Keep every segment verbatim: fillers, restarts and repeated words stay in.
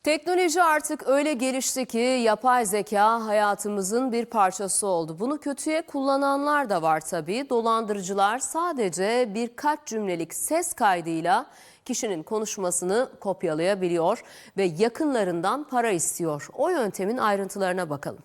Teknoloji artık öyle gelişti ki yapay zeka hayatımızın bir parçası oldu. Bunu kötüye kullananlar da var tabii. Dolandırıcılar sadece birkaç cümlelik ses kaydıyla kişinin konuşmasını kopyalayabiliyor ve yakınlarından para istiyor. O yöntemin ayrıntılarına bakalım.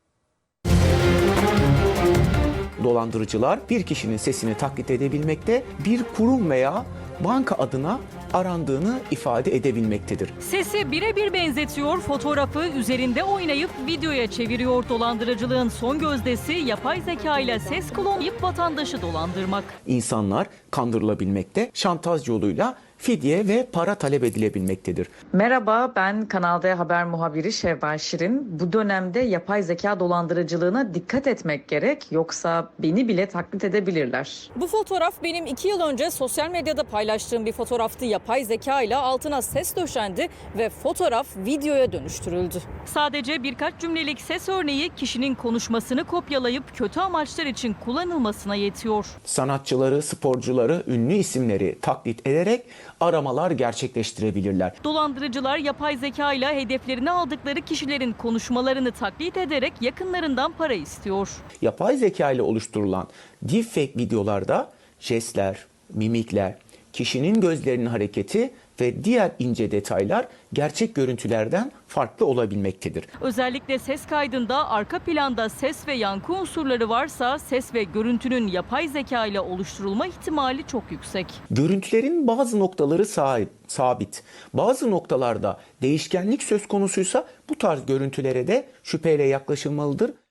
Dolandırıcılar bir kişinin sesini taklit edebilmekte, bir kurum veya banka adına arandığını ifade edebilmektedir. Sesi birebir benzetiyor, fotoğrafı üzerinde oynayıp videoya çeviriyor. Dolandırıcılığın son gözdesi yapay zeka ile ses klonlayıp vatandaşı dolandırmak. İnsanlar kandırılabilmekte, şantaj yoluyla fidye ve para talep edilebilmektedir. Merhaba, ben Kanal D Haber muhabiri Şevval Şirin. Bu dönemde yapay zeka dolandırıcılığına dikkat etmek gerek, yoksa beni bile taklit edebilirler. Bu fotoğraf benim iki yıl önce sosyal medyada paylaştığım bir fotoğraftı. Yapay zeka ile altına ses döşendi ve fotoğraf videoya dönüştürüldü. Sadece birkaç cümlelik ses örneği kişinin konuşmasını kopyalayıp kötü amaçlar için kullanılmasına yetiyor. Sanatçıları, sporcuları, ünlü isimleri taklit ederek aramalar gerçekleştirebilirler. Dolandırıcılar yapay zeka ile hedeflerini aldıkları kişilerin konuşmalarını taklit ederek yakınlarından para istiyor. Yapay zeka ile oluşturulan deepfake videolarda jestler, mimikler, kişinin gözlerinin hareketi ve diğer ince detaylar gerçek görüntülerden farklı olabilmektedir. Özellikle ses kaydında arka planda ses ve yankı unsurları varsa ses ve görüntünün yapay zeka ile oluşturulma ihtimali çok yüksek. Görüntülerin bazı noktaları sabit, bazı noktalarda değişkenlik söz konusuysa bu tarz görüntülere de şüpheyle yaklaşılmalıdır.